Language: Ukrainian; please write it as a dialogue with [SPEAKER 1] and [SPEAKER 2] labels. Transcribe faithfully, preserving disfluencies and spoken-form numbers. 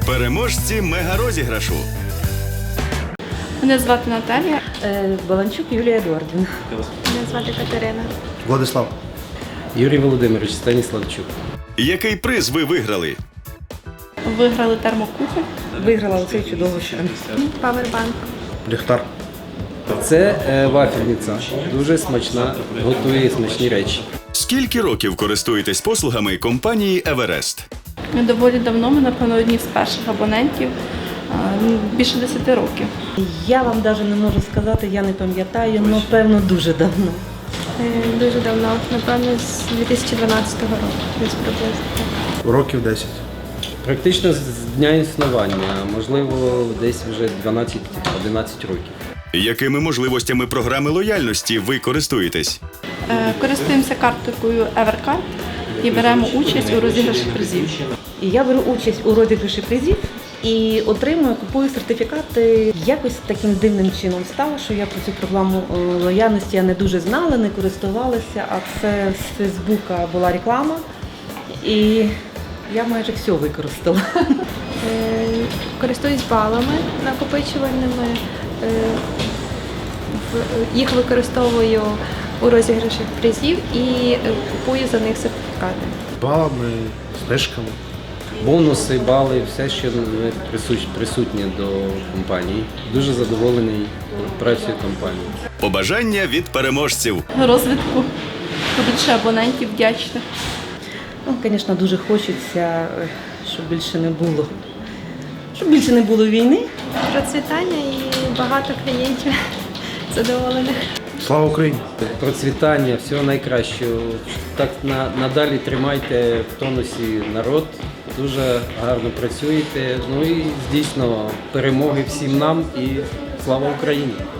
[SPEAKER 1] Переможці мегарозіграшу.
[SPEAKER 2] Мене звати Наталія.
[SPEAKER 3] Е, Баланчук Юлія Едуардівна.
[SPEAKER 2] Мене звати Катерина.
[SPEAKER 4] Владислав.
[SPEAKER 5] Юрій Володимирович Станіславчук.
[SPEAKER 1] Який приз ви виграли?
[SPEAKER 2] Виграли термокухоль.
[SPEAKER 3] Виграла оцей чудовий шан.
[SPEAKER 2] Павербанк.
[SPEAKER 4] Ліхтар.
[SPEAKER 5] Це е, вафельниця. Дуже смачна, готує смачні речі.
[SPEAKER 1] Скільки років користуєтесь послугами компанії «Еверест»?
[SPEAKER 2] Доволі давно, ми, напевно, одні з перших абонентів. А, Більше десяти років.
[SPEAKER 3] Я вам навіть не можу сказати, я не пам'ятаю, але певно дуже давно.
[SPEAKER 6] Е, Дуже давно, напевно, з дві тисячі дванадцятого року, десь приблизно.
[SPEAKER 4] Років десять.
[SPEAKER 5] Практично з дня існування, можливо, десь вже дванадцять-одинадцять років.
[SPEAKER 1] Якими можливостями програми лояльності ви користуєтесь?
[SPEAKER 2] Е, Користуємося карткою Evercard і беремо участь у розіграші призів.
[SPEAKER 3] І я беру участь у розіграші призів і отримую, купую сертифікати. Якось таким дивним чином стало, що я про цю програму е, лояльності я не дуже знала, не користувалася, а це з Фейсбука була реклама. І я майже все використала.
[SPEAKER 6] Е, Користуюсь балами накопичувальними, е, в- їх використовую у розіграшах призів і е, купую за них сертифікати.
[SPEAKER 4] Балами, знижками.
[SPEAKER 5] Бонуси, бали, все, що присут- присутнє до компанії. Дуже задоволений працею компанії.
[SPEAKER 1] Побажання від переможців.
[SPEAKER 2] Розвитку, побільше абонентів вдячних.
[SPEAKER 3] Ну, звісно, дуже хочеться, е, щоб більше не було. Щоб більше не було війни.
[SPEAKER 6] Процвітання і багато клієнтів задоволених.
[SPEAKER 4] Слава Україні!
[SPEAKER 5] Процвітання, всього найкращого. Так на, надалі тримайте в тонусі народ, дуже гарно працюєте. Ну і дійсно перемоги всім нам і слава Україні!